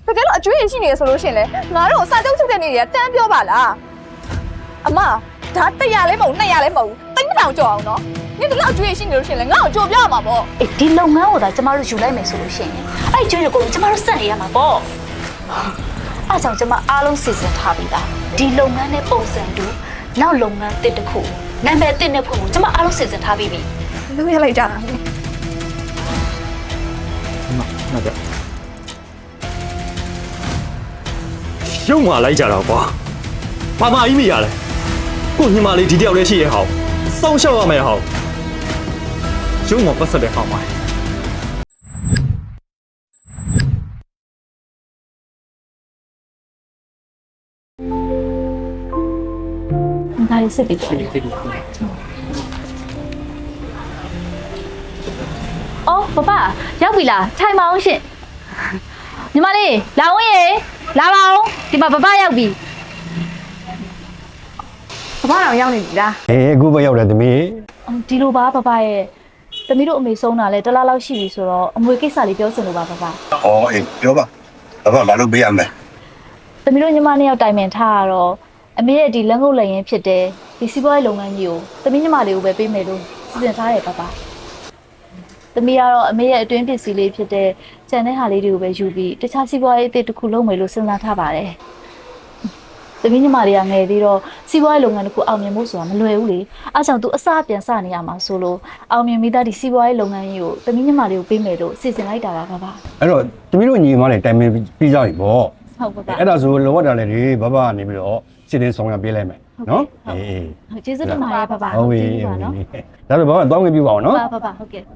တကယ်လို့အကျွေးရင်ရှိနေရဆိုလို့ရှင်လေငါတို့စာချုပ်ချုပ်တဲ့နေတွေကတန်းပြောပါလားအမဒါ100လဲမဟုတ်200လဲမဟုတ်3000ကျော်အောင်နော်နေ့တလောက်အကျွေးရင်ရှိနေလို့ရှင်လေငါ့ကိုကြိုပြရမှာပေါ့အေးဒီလုပ်ငန်းကိုသာကျမတို့ယူလိုက်မယ်ဆိုလို့ရှိရင်အဲ့ကျွေးတွေကိုကျမတို့စက်နေရမှာပေါ့အဲ့ကြောင့်ကျမအားလုံးစီစဉ်ထားပြီးသားဒီလုပ်ငန်းနဲ့ပုံစံတူနောက်လုပ်ငန်းတစ်ခုနာမည်တစ်နဲ့ဖွင့်ဖို့ကျမအားလုံးစီစဉ်ထားပြီးပြီလုပ်ရလိုက်ကြတာ那个，又马来家了吧？爸妈一米呀嘞，过年嘛哩低调的些也好，烧笑啊没好，又我不是的好嘛。 ဒါလေးစစ်ပြီးတော့အော်ပပရောက်ပြီလားထိုင်ပါအောင်ရှင်ညီမလေးလာဝင်ရေလာပါအောင်ဒီမှာပပရောက်ပြီပပတော်ရောက်နေပြီလားအခုပဲရောက်တယ်သမီးဒီလိုပါပပရဲ့သမီးတို့အမေဆုံးတာလဲတစ်လားလောက်ရှိပြီဆိုတော့အမွေကိစ္စလေးပြောစင်လို့ပါပပအေးပြောပါဘာလို့ပေးရမလဲသမီးတို့ညီမနှစ်ယောက်တိုင်ပင်ထားရတော့အမေရဲ့ဒီလက်ငုပ်လက်ရင်းဖြစ်တဲ့ဒီစီးပွားရေးလုပ်ငန်းကြီးကိုသမီးညီမလေးကိုပဲပေးမယ်လို့စီစဉ်ထားတယ်ပပသမီးကတော့အမေရဲ့အတွင်းပစ္စည်းလေးဖြစ်တဲ့ကျန်တဲ့ဟာလေးတွေကိုပဲယူပြီးတခြားစီးပွားရေးအသစ်တစ်ခုလုပ်မယ်လို့စဉ်းစားထားပါတယ်သမီးညီမလေးကငယ်သေးတော့စီးပွားရေးလုပ်ငန်းတစ်ခုအောင်မြင်ဖို့ဆိုတာမလွယ်ဘူးလေအားကြောင့်သူအစပြန်စနေရမှာဆိုလို့အောင်မြင်မိသားဒီစီးပွားရေးလုပ်ငန်းကြီးကိုသမီးညီမလေးကိုပေးမယ်လို့စီစဉ်လိုက်တာပါပအဲ့တော့သမီးတို့ညီမလေးတိုင်ပင်ပြီးကြပြီပေါ့ဟုတ်ပါအဲ့ဒါဆိုလောရတာလေဒီဘဘကနေပြီးတော့စစ်တင်းဆောင်ရပေးလိုက်မယ်နော်ဟုတ်ကျေးဇူးတင်ပါတယ်ပပဟုတ်ပြီနော်ဒါဆိုဘာမှတောင်းဝင်ပြပါအောင်နော်ပပဟုတ်ကဲ့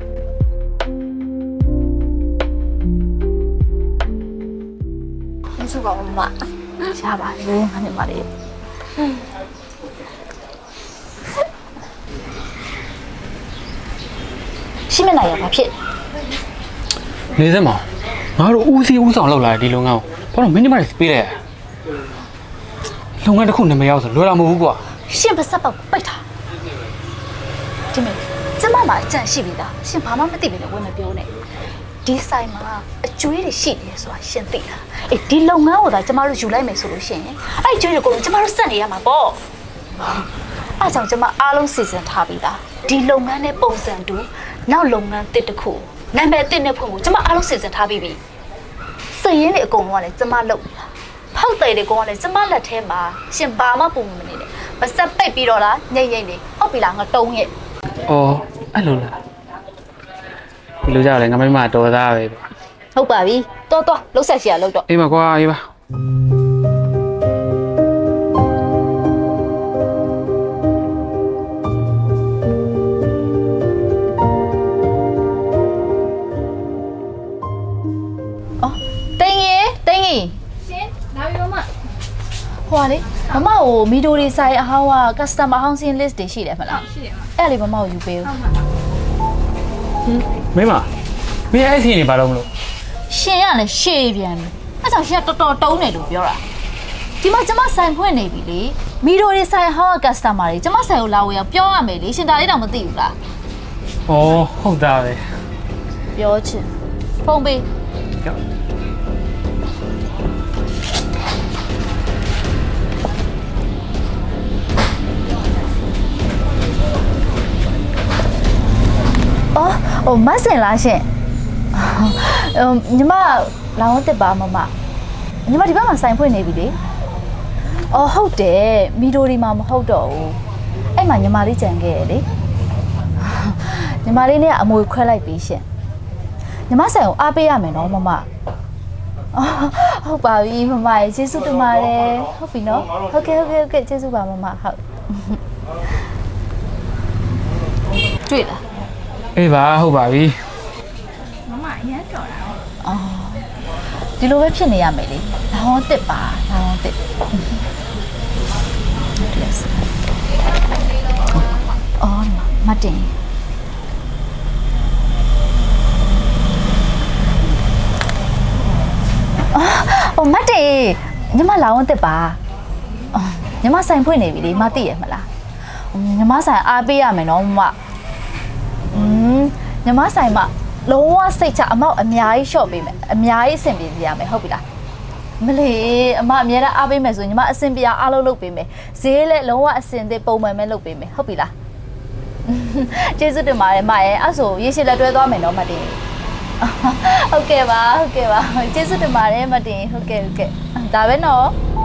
ကျေးဇူးပါမရှားပါလေငါနဲ့မလေးရှင်းမနိုင်ရပါဖြစ်နေစမ်းမငါတို့ဦးစီးဦးဆောင်လောက်လာဒီလုပ်ငန်းကိုဘာလို့မင်းညီမတွေပေးလိုက်လုပ်ငန်းတစ်ခုနာမည်ရောက်ဆိုလွယ်တာမဟုတ်ဘူးကွာရှင်းပါစပ်ပေါက်ပိတ်ထားဒီမေကျမမှာအကြံရှိပြီသားရှင်ဘာမှမသိပြီလေဝင်မပြောနဲ့ဒီဆိုင်မှာအကျွေးတွေရှိနေတယ်ဆိုတာရှင်သိလားအေးဒီလုပ်ငန်းကိုသာကျမတို့ယူလိုက်မယ်ဆိုလို့ရှိရင်အဲ့ကျွေးတွေကိုကျမတို့စက်နေရမှာပေါ့အဲ့ကြောင့်ကျမအားလုံးစီစဉ်ထားပြီးသားဒီလုပ်ငန်းနဲ့ပုံစံတူနောက်လုပ်ငန်းတစ်ခုနာမည်တစ်နဲ့ဖွင့်ဖို့ကျမအားလုံးစီစဉ်ထားပြီးပြီစည်ရင်းတွေအကုန်လုံးကလည်းကျမလုပ်ဖောက်တယ်တွေကောင်ကလည်းကျမလက်ထဲမှာရှင်ဘာမှပုံမနေနဲ့မစက်ပိတ်ပြီးတော့လားညိတ်ညိတ်နေဟုတ်ပြီလားငါတုံးရဲ့အော်အဲ့လိုလားဒီလိုကြတယ်ငါမတော်သားပဲဟုတ်ပါပြီတော်လှုပ်ဆက်ရှိရလှုပ်တော့အေးပါကွာအေးပါအော်တင်းကြီးရှင်လာပြီမမဟိုလေမမကိုမီဒိုတွေဆိုင်အဟောင်းက customer housing list တွေရှိတယ်မလားရှိတယ်အဲ့လေမမကိုယူပေးဦးမင်းအဲ့စီနေပါတော့မလို့ရှင်ကလည်းရှေ့ပြန်ပြီအဲ့ကြောင့်ရှင်ကတော်တော်တုံးတယ်လို့ပြောတာဒီမှာကျမဆိုင်ဖွင့်နေပြီလေမီဒိုတွေဆိုင်ဟောင်းက customer တွေကျမဆိုင်ကိုလာဝယ်အောင်ပြောရမယ်လေရှင်ဒါလေးတော့မသိဘူးလားဩဟုတ်တာပဲပြောချင်ဖုန်းပေး哦，မဆင်လားရှင်ညီမလောင်းတက်ပါမမညီမဒီဘက်မှာဆိုင်ဖွင့်နေပြီလေအော်ဟုတ်တယ်မီဒိုဒီမှာမဟုတ်တော့ဘူးအဲ့မှာညီမလေးကြံခဲ့ရလေညီမလေးနဲ့အမွေခွဲလိုက်ပြီရှင်ညီမဆိုင်ကိုအားပေးရမယ်နော်မမဟုတ်ပါပြီမမရေကျေးဇူးတင်ပါတယ်ဟုတ်ပြီနော်ဟုတ်ကဲ့ကျေးဇူးပါမမဟုတ်တွေ့လားအေးပါဟုတ်ပါပြီမမအရင်တော်တာအော်ဒီလိုပဲဖြစ်နေရမယ်လေလောင်းတစ်ပါလောင်းတစ်အော်မတင်အော်မတင်ညီမလောင်းတစ်ပါညီမဆိုင်ဖွင့်နေပြီလေမသိရမလားညီမဆိုင်အားပေးရမယ်နော်မမညီမဆိုင်မှာလုံးဝစိတ်ချအမောက်အများကြီးရှော့ပေးမယ်အများကြီးအဆင်ပြေစီရမယ်ဟုတ်ပြီလားမလီအမအများအားအားပေးမယ်ဆိုရင်ညီမအဆင်ပြေအားလုံးလုပ်ပေးမယ်ဈေးလည်းလုံးဝအဆင်သစ်ပုံမှန်ပဲလုပ်ပေးမယ်ဟုတ်ပြီလားကျေးဇူးတင်ပါတယ်မရဲ့အဲ့ဆိုရေရှည်လက်တွဲသွားမယ်နော်မတင်ဟုတ်ကဲ့ပါကျေးဇူးတင်ပါတယ်မတင်ဟုတ်ကဲ့ဒါပဲနော်